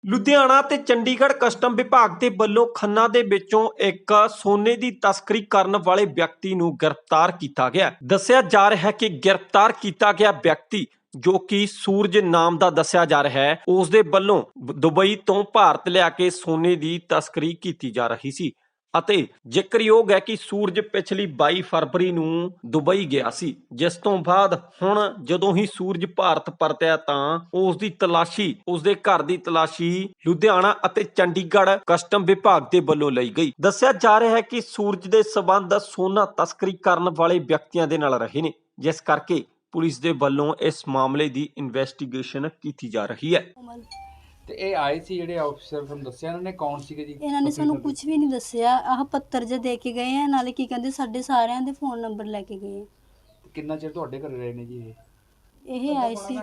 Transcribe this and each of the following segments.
ਲੁਧਿਆਣਾ ਤੇ ਚੰਡੀਗੜ੍ਹ ਕਸਟਮ ਵਿਭਾਗ ਦੇ ਵੱਲੋਂ ਖੰਨਾ ਦੇ ਵਿੱਚੋਂ ਇੱਕ ਸੋਨੇ ਦੀ ਤਸਕਰੀ ਕਰਨ ਵਾਲੇ ਵਿਅਕਤੀ ਨੂੰ ਗ੍ਰਿਫਤਾਰ ਕੀਤਾ ਗਿਆ। ਦੱਸਿਆ ਜਾ ਰਿਹਾ ਹੈ ਕਿ ਗ੍ਰਿਫਤਾਰ ਕੀਤਾ ਗਿਆ ਵਿਅਕਤੀ ਜੋ ਕਿ ਸੂਰਜ ਨਾਮ ਦਾ ਦੱਸਿਆ ਜਾ ਰਿਹਾ ਹੈ, ਉਸ ਦੇ ਵੱਲੋਂ ਦੁਬਈ ਤੋਂ ਭਾਰਤ ਲਿਆ ਕੇ ਸੋਨੇ ਦੀ ਤਸਕਰੀ ਕੀਤੀ ਜਾ ਰਹੀ ਸੀ ਅਤੇ ਜ਼ਿਕਰਯੋਗ ਹੈ ਕਿ ਸੂਰਜ ਪਿਛਲੀ 22 ਫਰਵਰੀ ਨੂੰ ਦੁਬਈ ਗਿਆ ਸੀ, ਜਿਸ ਤੋਂ ਬਾਅਦ ਹੁਣ ਜਦੋਂ ਹੀ ਸੂਰਜ ਭਾਰਤ ਪਰਤਿਆ ਤਾਂ ਉਸ ਦੀ ਤਲਾਸ਼ੀ, ਉਸ ਦੇ ਘਰ ਦੀ ਤਲਾਸ਼ੀ ਲੁਧਿਆਣਾ ਅਤੇ ਚੰਡੀਗੜ੍ਹ ਕਸਟਮ ਵਿਭਾਗ ਦੇ ਵੱਲੋਂ ਲਈ ਗਈ। ਦੱਸਿਆ ਜਾ ਰਿਹਾ ਹੈ ਕਿ ਸੂਰਜ ਦੇ ਸਬੰਧ ਸੋਨਾ ਤਸਕਰੀ ਕਰਨ ਵਾਲੇ ਵਿਅਕਤੀਆਂ ਦੇ ਨਾਲ ਰਹੇ ਨੇ, ਜਿਸ ਕਰਕੇ ਪੁਲਿਸ ਦੇ ਵੱਲੋਂ ਇਸ ਮਾਮਲੇ ਦੀ ਇਨਵੈਸਟੀਗੇਸ਼ਨ ਕੀਤੀ ਜਾ ਰਹੀ ਹੈ। ਤੇ ਇਹ ਆਏ ਸੀ ਜਿਹੜੇ ਆਫੀਸਰ ਤੁਹਾਨੂੰ ਦੱਸਿਆ ਇਹਨਾਂ ਨੇ ਕੌਣ ਸੀਗੇ ਜੀ? ਇਹਨਾਂ ਨੇ ਸਾਨੂੰ ਕੁਝ ਵੀ ਨਹੀਂ ਦੱਸਿਆ। ਆਹ ਪੱਤਰ ਜੇ ਦੇ ਕੇ ਗਏ ਆ, ਨਾਲੇ ਕੀ ਕਹਿੰਦੇ ਸਾਡੇ ਸਾਰਿਆਂ ਦੇ ਫੋਨ ਨੰਬਰ ਲੈ ਕੇ ਗਏ। ਕਿੰਨਾ ਚਿਰ ਤੁਹਾਡੇ ਘਰੇ ਰਹੇ ਨੇ ਜੀ ਇਹ ਆਏ ਸੀ।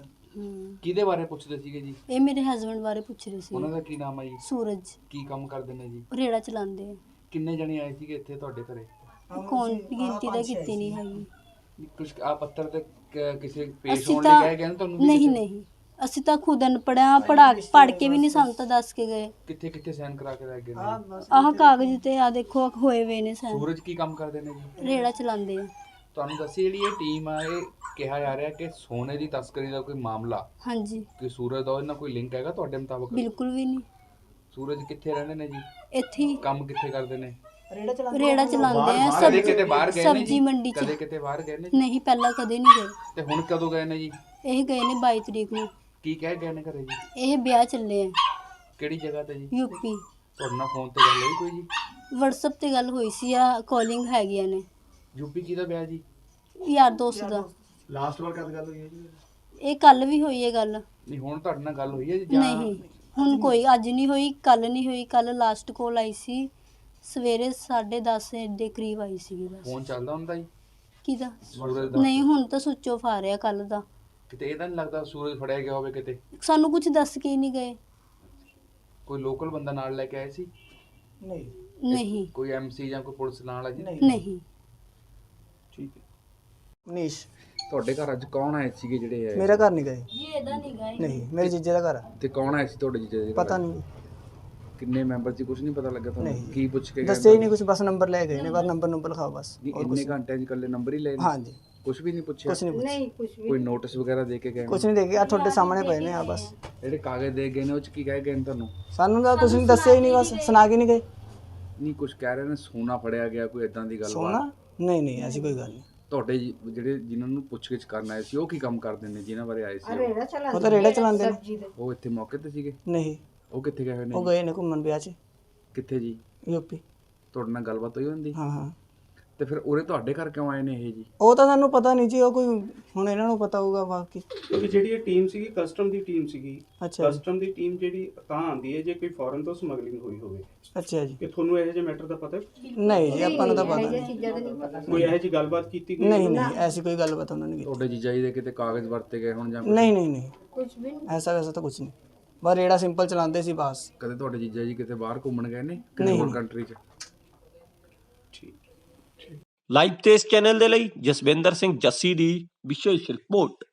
ਕਿਹਦੇ ਬਾਰੇ ਪੁੱਛਦੇ ਸੀਗੇ ਜੀ? ਇਹ ਮੇਰੇ ਹਸਬੰਡ ਬਾਰੇ ਪੁੱਛ ਰਹੇ ਸੀ। ਉਹਨਾਂ ਦਾ ਕੀ ਨਾਮ ਹੈ ਜੀ? ਸੂਰਜ। ਕੀ ਕੰਮ ਕਰਦੇ ਨੇ ਜੀ? ਰੇੜਾ ਚਲਾਉਂਦੇ ਆ। ਕਿੰਨੇ ਜਣੇ ਆਏ ਸੀਗੇ ਇੱਥੇ ਤੁਹਾਡੇ ਘਰੇ? ਕੌਣ ਗਿਣਤੀ ਦਾ ਕੀਤੀ ਨਹੀਂ ਹੈਗੀ। ਕੁਝ ਆ ਪੱਤਰ ਤੇ ਕਿਸੇ ਪੇਸ਼ ਅਸੀਂ ਹੋਣ ਤਾਂ ਲਈ ਗਏ ਤੁਹਾਨੂੰ? ਨਹੀਂ ਨਹੀਂ, ਅਸੀਂ ਤਾਂ ਖੁਦ ਅਨਪੜ੍ਹ ਪੜ੍ਹ ਕੇ ਵੀ ਨਹੀਂ ਸਾਨੂੰ ਤਾਂ ਦੱਸ ਕੇ ਗਏ। ਕਿੱਥੇ ਕਿੱਥੇ ਸਾਈਨ ਕਰਾ ਕੇ ਲੈ ਗਏ ਨੇ? ਆਹ ਕਾਗਜ਼ ਤੇ ਆ ਦੇਖੋ ਹੋਏ ਵੇ ਨੇ ਸਾਈਨ। ਸੂਰਜ ਕੀ ਕੰਮ ਕਰਦੇ ਨੇ ਜੀ? ਰੇੜਾ ਚਲਾਉਂਦੇ ਆ। ਤੁਹਾਨੂੰ ਦੱਸੀ ਜਿਹੜੀ ਇਹ ਟੀਮ ਆ, ਇਹ ਕਿਹਾ ਜਾ ਰਿਹਾ ਕਿ ਸੋਨੇ ਦੀ ਤਸਕਰੀ ਦਾ ਕੋਈ ਮਾਮਲਾ, ਹਾਂਜੀ, ਕਿ ਸੂਰਜ ਦਾ ਇਹਨਾਂ ਕੋਈ ਲਿੰਕ ਹੈਗਾ ਤੁਹਾਡੇ ਮੁਤਾਬਕ? ਬਿਲਕੁਲ ਵੀ ਨਹੀਂ। ਸੂਰਜ ਕਿੱਥੇ ਰਹਿੰਦੇ ਨੇ ਜੀ? ਇੱਥੇ ਹੀ ਕੰਮ ਕਿੱਥੇ ਕਰਦੇ ਨੇ? ਰੇੜਾ ਚਲਾਉਂਦੇ ਆ। ਕਦੇ ਕਿਤੇ ਬਾਹਰ ਗਏ ਨੇ ਸਬਜ਼ੀ ਜੀ? ਮੰਡੀ ਚ। ਕਦੇ ਕਿਤੇ ਬਾਹਰ ਗਏ ਨੇ? ਨਹੀਂ, ਪਹਿਲਾਂ ਕਦੇ ਨਹੀਂ ਗਏ। ਤੇ ਹੁਣ ਕਦੋਂ ਗਏ ਨੇ ਜੀ? ਇਹ ਗਏ ਨੇ 22 ਤਰੀਕ ਨੂੰ। ਕੀ ਕਹਿ ਗਏ ਨੇ ਘਰੇ ਜੀ? ਇਹ ਵਿਆਹ ਚੱਲੇ ਆ ਕਿਹੜੀ ਜਗ੍ਹਾ ਤੇ ਜੀ? ਯੂਪੀ। ਤੁਹਾਡੇ ਨਾਲ ਫੋਨ ਤੇ ਗੱਲ ਹੋਈ ਕੋਈ ਜੀ? WhatsApp ਤੇ ਗੱਲ ਹੋਈ ਸੀ, ਆ ਕਾਲਿੰਗ ਹੈਗੀਆਂ ਨੇ। ਯੂਪੀ ਕਿਹਦਾ ਵਿਆਹ ਜੀ? ਯਾਰ ਦੋਸਤ ਦਾ। ਲਾਸਟ ਵਾਰ ਕਦ ਗੱਲ ਹੋਈ ਹੈ ਜੀ? ਇਹ ਕੱਲ ਵੀ ਹੋਈ ਹੈ ਗੱਲ। ਨਹੀਂ, ਹੁਣ ਤੁਹਾਡੇ ਨਾਲ ਗੱਲ ਹੋਈ ਹੈ ਜੀ ਜਾਂ? ਨਹੀਂ, ਹੁਣ ਕੋਈ ਅੱਜ ਨਹੀਂ ਹੋਈ, ਕੱਲ ਨਹੀਂ ਹੋਈ। ਕੱਲ ਲਾਸਟ ਕਾਲ ਆਈ ਸੀ ਸਵੇਰੇ 10:30 ਦੇ ਕਰੀਬ ਆਈ ਸੀਗੀ ਬਸ। ਫੋਨ ਚੱਲਦਾ ਹੁੰਦਾ ਜੀ ਕਿਹਦਾ? ਸੂਰਜ ਦਾ? ਨਹੀਂ, ਹੁਣ ਤਾਂ ਸੁੱਚ ਆਫ ਆ ਰਿਹਾ ਕੱਲ ਦਾ। ਕਿਤੇ ਇਹ ਤਾਂ ਨਹੀਂ ਲੱਗਦਾ ਸੂਰਜ ਫੜਿਆ ਗਿਆ ਹੋਵੇ ਕਿਤੇ? ਸਾਨੂੰ ਕੁਝ ਦੱਸ ਕੇ ਹੀ ਨਹੀਂ ਗਏ। ਕੋਈ ਲੋਕਲ ਬੰਦਾ ਨਾਲ ਲੈ ਕੇ ਆਏ ਸੀ? ਨਹੀਂ ਕੋਈ ਐਮਸੀ ਜਾਂ ਕੋਈ ਪੁਲਿਸ ਨਾਲ ਆ ਜੀ? ਨਹੀਂ। ਠੀਕ ਹੈ। ਮਨੀਸ਼, ਤੁਹਾਡੇ ਘਰ ਅੱਜ ਕੌਣ ਆਏ ਸੀਗੇ ਜਿਹੜੇ ਆਏ? ਮੇਰਾ ਘਰ ਨਹੀਂ ਗਏ। ਜੀ ਇਹਦਾ ਨਹੀਂ ਗਏ। ਨਹੀਂ, ਮੇਰੇ ਜੀਜੇ ਦਾ ਘਰ ਆ। ਤੇ ਕੌਣ ਆਏ ਸੀ ਤੁਹਾਡੇ ਜੀਜੇ ਦੇ ਘਰ? ਪਤਾ ਨਹੀਂ, ਕਿੰਨੇ ਮੈਂਬਰ ਸੀ? ਕੁਝ ਨਹੀਂ ਪਤਾ ਲੱਗਾ ਤੁਹਾਨੂੰ? ਨਹੀਂ। ਕੀ ਪੁੱਛ ਕੇ ਗਏ? ਦੱਸਿਆ ਹੀ ਨਹੀਂ ਕੁਝ, ਬਸ ਨੰਬਰ ਲੈ ਗਏ ਨੇ। ਬਸ ਨੰਬਰ ਲਿਖਾਓ ਬਸ। ਨਹੀਂ, ਹੋਰ ਇੰਨੇ ਕੁਝ ਘੰਟਿਆਂ 'ਚ ਇਕੱਲੇ ਨੰਬਰ ਹੀ ਲਏ ਨੇ? ਹਾਂਜੀ, ਕੁਝ ਵੀ ਨਹੀਂ ਪੁੱਛਿਆ? ਕੁਝ ਨਹੀਂ ਪੁੱਛਿਆ। ਨਹੀਂ ਕੁਝ ਵੀ। ਕੋਈ ਨੋਟਿਸ ਵਗੈਰਾ ਦੇ ਕੇ ਗਏ ਨੇ? ਕੁਝ ਨਹੀਂ ਦੇਖਿਆ, ਤੁਹਾਡੇ ਸਾਹਮਣੇ ਪਏ ਨੇ ਆ ਬਸ। ਜਿਹੜੇ ਕਾਗਜ਼ ਦੇ ਗਏ ਨੇ ਉਹ 'ਚ ਕੀ ਕਹਿ ਗਏ ਨੇ ਤੁਹਾਨੂੰ? ਸਾਨੂੰ ਤਾਂ ਤੁਸੀਂ ਦੱਸਿਆ ਹੀ ਨਹੀਂ, ਬਸ ਸੁਣਾ ਕੇ ਨਹੀਂ ਗਏ। ਨਹੀਂ, ਕੁਝ ਕਹਿ ਰਹੇ ਨੇ ਸੋਨਾ ਫੜਿਆ ਗਿਆ, ਕੋਈ ਇਦਾਂ ਦੀ ਗੱਲ ਸੋਨਾ? ਨਹੀਂ ਨਹੀਂ, ਐਸੀ ਕੋਈ ਗੱਲ ਨਹੀਂ। ਤੁਹਾਡੇ ਜਿਹੜੇ ਜਿਨ੍ਹਾਂ ਨੂੰ ਪੁੱਛਗਿੱਛ ਕਰਨ ਆਏ ਸੀ ਉਹ ਕੀ ਕੰਮ ਕਰਦੇ ਨੇ ਜਿਨ੍ਹਾਂ ਬਾਰੇ ਆਏ ਸੀ ਉਹ? ਉਹ ਤਾਂ ਰੇੜਾ ਚਲਾਉਂਦੇ ਨੇ। ਉਹ ਇੱਥੇ ਮੌਕੇ ਤੇ ਸੀਗੇ? ਨਹੀਂ, ਉਹ ਕਿੱਥੇ ਗਏ ਹੋਏ ਨੇ? ਉਹ ਗਏ ਨੇ ਘੁੰਮਣ ਵਿਆਹ 'ਚ ਕਿੱਥੇ ਜੀ? ਯੂਪੀ। ਤੁਹਾਡੇ ਨਾਲ ਗੱਲਬਾਤ ਹੋਈ ਹੁੰਦੀ? ਹਾਂ ਹਾਂ। ਤੇ ਫਿਰ ਉਰੇ ਤੁਹਾਡੇ ਘਰ ਕਿਉਂ ਆਏ ਨੇ ਇਹ ਜੀ? ਉਹ ਤਾਂ ਸਾਨੂੰ ਪਤਾ ਨਹੀਂ ਜੀ, ਉਹ ਕੋਈ ਹੁਣ ਇਹਨਾਂ ਨੂੰ ਪਤਾ ਹੋਊਗਾ ਬਾਕੀ। ਕਿਉਂਕਿ ਜਿਹੜੀ ਇਹ ਟੀਮ ਸੀਗੀ ਕਸਟਮ ਦੀ ਟੀਮ ਸੀਗੀ। ਅੱਛਾ ਜੀ, ਕਸਟਮ ਦੀ ਟੀਮ ਜਿਹੜੀ ਤਾਂ ਆਉਂਦੀ ਹੈ ਜੇ ਕੋਈ ਫੋਰਨ ਤੋਂ ਸਮਗਲਿੰਗ ਹੋਈ ਹੋਵੇ। ਅੱਛਾ ਜੀ। ਕਿ ਤੁਹਾਨੂੰ ਇਹੋ ਜਿਹੇ ਮੈਟਰ ਦਾ ਪਤਾ? ਨਹੀਂ ਜੀ, ਆਪਾਂ ਨੂੰ ਤਾਂ ਪਤਾ ਨਹੀਂ। ਕੋਈ ਇਹੋ ਜਿਹੀ ਗੱਲਬਾਤ ਕੀਤੀ ਗਈ? ਨਹੀਂ ਨਹੀਂ, ਐਸੀ ਕੋਈ ਗੱਲਬਾਤ ਉਹਨਾਂ ਨੇ ਕੀਤੀ। ਤੁਹਾਡੇ ਜੀਜਾ ਜੀ ਦੇ ਕਿਤੇ ਕਾਗਜ਼ ਵਰਤੇ ਗਏ ਹੁਣ ਜਾਂ ਕੁਛ? ਨਹੀਂ ਨਹੀਂ ਨਹੀਂ, ਕੁਝ ਵੀ ਨਹੀਂ। ਐਸਾ ਵੈਸਾ ਤਾਂ ਕੁਝ ਨਹੀਂ। ਬਸ ਰੇੜਾ ਸਿੰਪਲ ਚਲਾਉਂਦੇ ਸੀ ਬਸ। ਕਦੇ ਤੁਹਾਡੇ ਜੀਜਾ ਜੀ ਕਿਤੇ ਬਾਹਰ ਘੁੰਮਣ ਗਏ ਨੇ ਕਿਹੜੀ ਹੋਰ ਕੰਟਰੀ 'ਚ? ਲਾਈਵ ਤੇਜ਼ ਚੈਨਲ ਦੇ ਲਈ ਜਸਵਿੰਦਰ ਸਿੰਘ ਜੱਸੀ ਦੀ ਵਿਸ਼ੇਸ਼ ਰਿਪੋਰਟ।